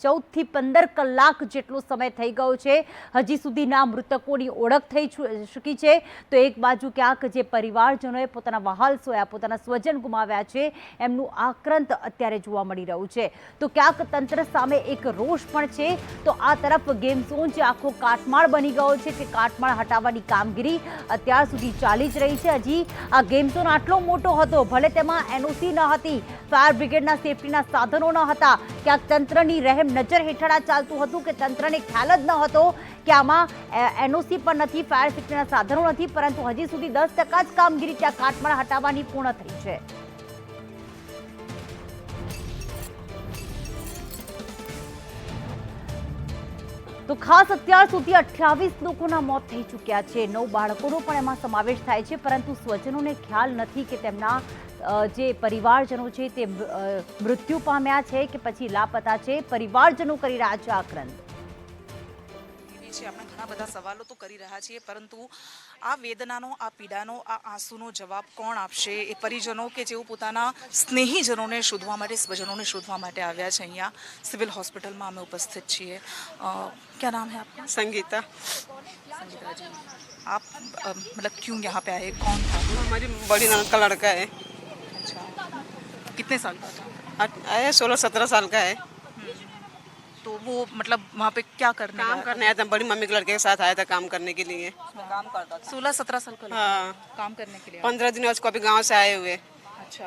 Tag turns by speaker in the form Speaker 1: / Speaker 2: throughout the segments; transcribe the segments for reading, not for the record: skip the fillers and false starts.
Speaker 1: 14 થી 15 કલાક જેટલો સમય થઈ ગયો છે, હજી સુધીના મૃતકોની ઓળખ થઈ ચૂકી છે। તો એક બાજુ ક્યાંક જે પરિવારજનોએ પોતાના વહાલ સોયા, પોતાના સ્વજન ગુમાવ્યા છે, એમનું આક્રંદ અત્યારે જોવા મળી રહ્યું છે। તો ક્યાંક તંત્ર સામે એક રોષ પણ છે, તો આ તરફ ગેમ ઝોન જે આખો કાટમાળ બની ગયો છે તે કાટમાળ હટાવવાની કામગીરી અત્યાર સુધી ચાલી જ રહી છે। હજી આ ગેમ ઝોન આટલો મોટો હતો, ભલે તેમાં એનઓસી ન હતી, ફાયર બ્રિગેડના સેફટીના સાધનો ન હતા, ક્યાંક તંત્રની રહેમ નજર હેઠળ આ ચાલતું હતું કે તંત્રને ખ્યાલ જ ન હતો કે આમાં એનઓસી પણ નથી, ફાયર સેફટીના સાધનો નથી, પરંતુ હજી સુધી 10% જ કામગીરી ત્યાં કાટમાળ હટાવવાની પૂર્ણ થઈ છે। તો ખાસ અત્યાર સુધી 28 લોકોના મોત થઈ ચૂક્યા છે, 9 બાળકોનો પણ એમાં સમાવેશ થાય છે, પરંતુ સ્વજનોને ખ્યાલ નથી કે તેમના જે પરિવારજનો છે તે મૃત્યુ પામ્યા છે કે પછી લાપતા છે। પરિવારજનો કરી રહ્યા છે આક્રંદ।
Speaker 2: આપણે ઘણા બધા સવાલો તો કરી રહ્યા છીએ, પરંતુ આ વેદનાનો, આ પીડાનો, આ આંસુનો જવાબ કોણ આપશે? એ પરિજનો કે જેઓ પોતાના સ્નેહીજનોને શોધવા માટે, સ્વજનોને શોધવા માટે આવ્યા છે। અહીંયા સિવિલ હોસ્પિટલમાં અમે ઉપસ્થિત છીએ। क्या नाम है आपका?
Speaker 3: संगीता।
Speaker 2: संगीता जी, आप मतलब क्यों यहाँ पे आए? कौन था?
Speaker 3: हमारी बड़ी ननद का लड़का है।
Speaker 2: अच्छा, कितने साल का था?
Speaker 3: आया 16-17 साल का है।
Speaker 2: तो वो मतलब वहाँ पे क्या करने
Speaker 3: काम करने आया था, बड़ी मम्मी के लड़के के साथ आया था काम करने के लिए। काम करता था
Speaker 2: 16-17 साल का लड़का।
Speaker 3: हाँ,
Speaker 2: काम करने के लिए
Speaker 3: 15 दिन उसको अभी गांव से आए हुए।
Speaker 2: अच्छा,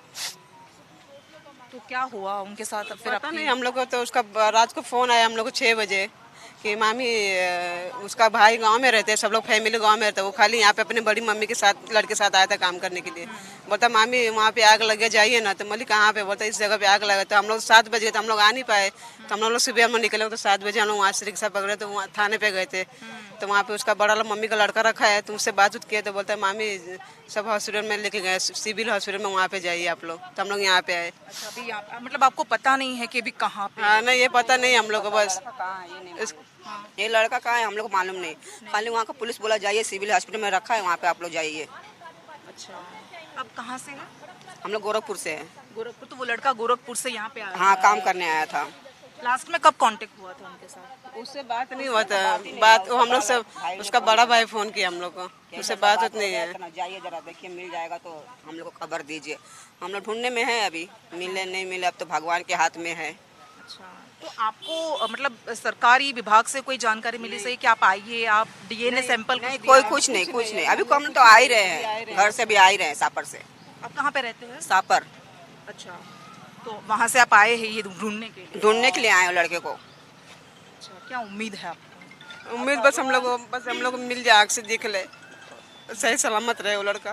Speaker 2: तो क्या हुआ उनके साथ? फिर
Speaker 3: पता नहीं, हम लोग को तो उसका रात को फोन आया हम लोग को 6 बजे कि मामी उसका भाई गांव में रहते हैं, सब लोग फैमिली गांव में रहते हैं, वो खाली यहाँ पे अपनी बड़ी मम्मी के साथ लड़के के साथ आया था काम करने के लिए। बोलता मामी वहाँ पे आग लगे जाइए ना। तो बोली कहाँ पे? बोलता इस जगह पे आग लगा। तो हम लोग 7 बजे तो हम लोग आ नहीं पाए, तो हम लोग सुबह हम निकले तो 7 बजे हम लोग वहाँ से रिक्शा पकड़े तो वहाँ थाने पे गए थे। तो वहाँ पे उसका बड़ा मम्मी का लड़का रखा है, तो उससे बातचीत किए तो बोलता है मामी सब हॉस्पिटल में लेके गए, सिविल हॉस्पिटल में, वहाँ पे जाइए आप लोग। तो हम लोग यहाँ पे आए।
Speaker 2: अच्छा, अभी यहाँ मतलब आपको पता नहीं है कि अभी कहाँ पे?
Speaker 3: हाँ नहीं, ये पता नहीं हम लोग को, बस
Speaker 4: ये लड़का कहाँ है हम लोग को मालूम नहीं, खाली वहाँ का पुलिस बोला जाइए सिविल हॉस्पिटल में रखा है, वहाँ पे आप लोग जाइए।
Speaker 2: अच्छा, अब कहाँ से है?
Speaker 4: हम लोग गोरखपुर से हैं।
Speaker 2: गोरखपुर। तो वो लड़का गोरखपुर से यहाँ पे आया?
Speaker 4: हाँ, काम करने आया था।
Speaker 2: लास्ट में कब कांटेक्ट हुआ था उनके साथ?
Speaker 3: उससे बात नहीं हुआ था, बात वो हम लोग से उसका बड़ा भाई फोन किया हम लोग को, उससे बात होती नहीं है।
Speaker 4: जाइए जरा देखिए, मिल जाएगा तो हम लोग को खबर दीजिए। हम लोग ढूंढने में है, अभी मिले नहीं मिले, अब तो भगवान के हाथ में है।
Speaker 2: अच्छा, तो आपको मतलब सरकारी विभाग से कोई जानकारी मिली सही कि आप आइए, आप डीएनए सैंपल?
Speaker 4: कोई कुछ नहीं। अभी को हम लोग तो आ ही रहे हैं, घर से भी आ ही रहे हैं, सापर से।
Speaker 2: आप कहाँ पे रहते हैं?
Speaker 4: सापर।
Speaker 2: अच्छा, तो वहाँ से आप आए हैं ये ढूंढने के लिए?
Speaker 4: ढूंढने के लिए आए हो लड़के को।
Speaker 2: अच्छा, क्या उम्मीद है आपको?
Speaker 3: उम्मीद बस हम लोग को मिल जाए, आग से दिख ले, सही सलामत रहे वो लड़का।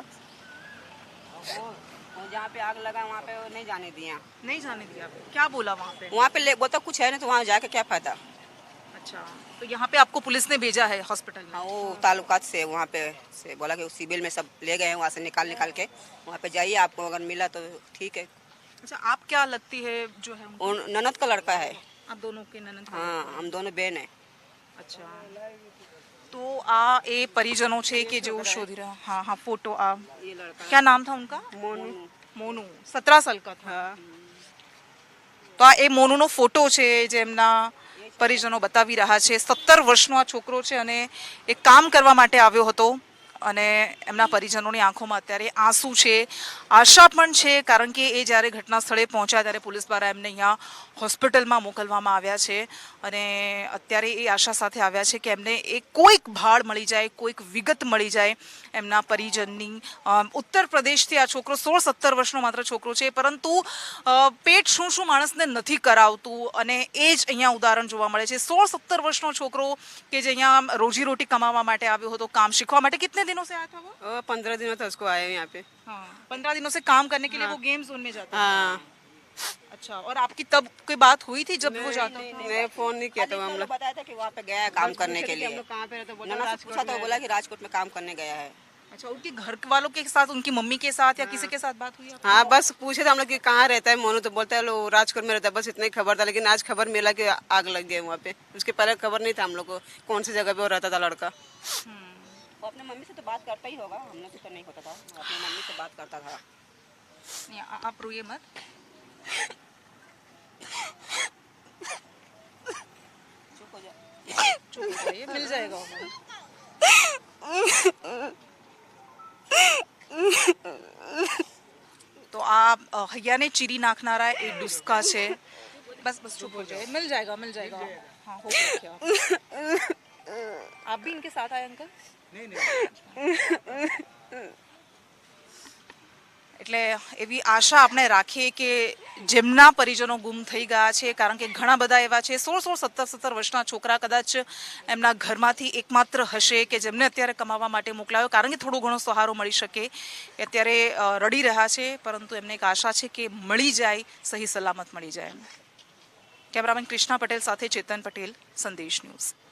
Speaker 4: जहाँ पे आग लगा वहाँ पे नहीं जाने दिया।
Speaker 2: नहीं जाने दिया? क्या बोला वहाँ पे?
Speaker 4: वहाँ पे बोलता कुछ है नहीं, तो वहाँ जाके क्या फायदा।
Speaker 2: अच्छा, तो यहाँ पे आपको पुलिस ने भेजा है हॉस्पिटल में?
Speaker 4: हाँ, वो ताल्लुकात से वहाँ पे से बोला कि सिविल में सब ले गए हैं, वहाँ से निकाल के वहाँ पे जाइए, आपको अगर मिला तो ठीक है।
Speaker 2: अच्छा, आप क्या लगती है जो है उनको?
Speaker 4: और ननद का लड़का है।
Speaker 2: आप दोनों के ननद?
Speaker 4: हाँ, हम दोनों बहन है।
Speaker 2: अच्छा, तो आ ए परिजनों छे के जो शोधी रहा। हाँ हाँ, फोटो आ,
Speaker 4: ये लड़का
Speaker 2: क्या नाम था उनका?
Speaker 4: मोनू।
Speaker 2: 17 साल का था। તો આ એ મોનુનો ફોટો છે જે એમના પરિજનો બતાવી રહ્યા છે। 17 વર્ષનો આ છોકરો છે અને એક કામ કરવા માટે આવ્યો હતો અને એમના પરિજનોની આંખોમાં અત્યારે આંસુ છે, આશા પણ છે, કારણ કે એ જ્યારે ઘટના સ્થળે પહોંચ્યા ત્યારે પોલીસ દ્વારા એમને અહીંયા હોસ્પિટલમાં મોકલવામાં આવ્યા છે અને અત્યારે એ આશા સાથે આવ્યા છે કે એમને એક કોઈક ભાળ મળી જાય, કોઈક વિગત મળી જાય એમના પરિજનની। ઉત્તર પ્રદેશથી આ છોકરો 16-17 વર્ષનો માત્ર છોકરો છે, પરંતુ પેટ શું શું માણસને નથી કરાવતું અને એ જ અહીંયા ઉદાહરણ જોવા મળે છે। 16-17 વર્ષનો છોકરો કે જે અહીંયા રોજીરોટી કમાવા માટે આવ્યો હતો, કામ શીખવા માટે। कितने दिनों से आया था वो?
Speaker 3: 15 दिनों था उसको आए यहाँ पे।
Speaker 2: हाँ, 15 दिनों से काम करने के लिए वो गेम जोन में जाता है।
Speaker 3: हाँ।
Speaker 2: अच्छा, और आपकी तब कोई बात हुई थी जब वो जाता था?
Speaker 3: नहीं, फोन नहीं किया था हम लोग।
Speaker 4: बताया था कि वहाँ पे गया है काम करने के लिए।
Speaker 3: हम लोग कहाँ पे रहते हैं?
Speaker 4: ननद से पूछा तो बोला कि राजकोट में काम करने गया है।
Speaker 2: अच्छा, उनके घर वालों के साथ, उनकी मम्मी के साथ या किसी के साथ बात हुई आपकी?
Speaker 3: हाँ, बस पूछे थे हम लोग कि कहाँ रहता है मोनू, तो बोलता है लो राजकोट में रहता है, बस इतना ही खबर था। लेकिन आज खबर मिला कि आग लग गई वहाँ पे। उसके पहले खबर नहीं था हम लोग को कौन सी जगह पे वो रहता था लड़का।
Speaker 4: वो अपने मम्मी से तो बात करता ही होगा, हम लोग से तो नहीं होता था, अपनी मम्मी से बात करता था।
Speaker 2: नहीं, आप रोइए मत। ये मिल जाएगा તો આ હૈયાને ચીરી નાખનારા એ ડુસ્કા છે બસ બસ ચुप हो जाए मिल जाएगा हाँ हो गया क्या आप भी इनके साथ आए अंकल એટલે એવી આશા આપણે રાખીએ કે જેમના પરિજનો ગુમ થઈ ગયા છે કારણ કે ઘણા બધા એવા છે 16-17 વર્ષના છોકરા કદાચ એમના ઘરમાંથી એકમાત્ર હશે કે જેમને અત્યારે કમાવા માટે મોકલાયો કારણ કે થોડો ઘણો સહારો મળી શકે અત્યારે રડી રહ્યા છે પરંતુ એમને એક આશા છે કે મળી જાય સહી સલામત મળી જાય કેમેરામેન કૃષ્ણા પટેલ સાથે ચેતન પટેલ સંદેશ ન્યૂઝ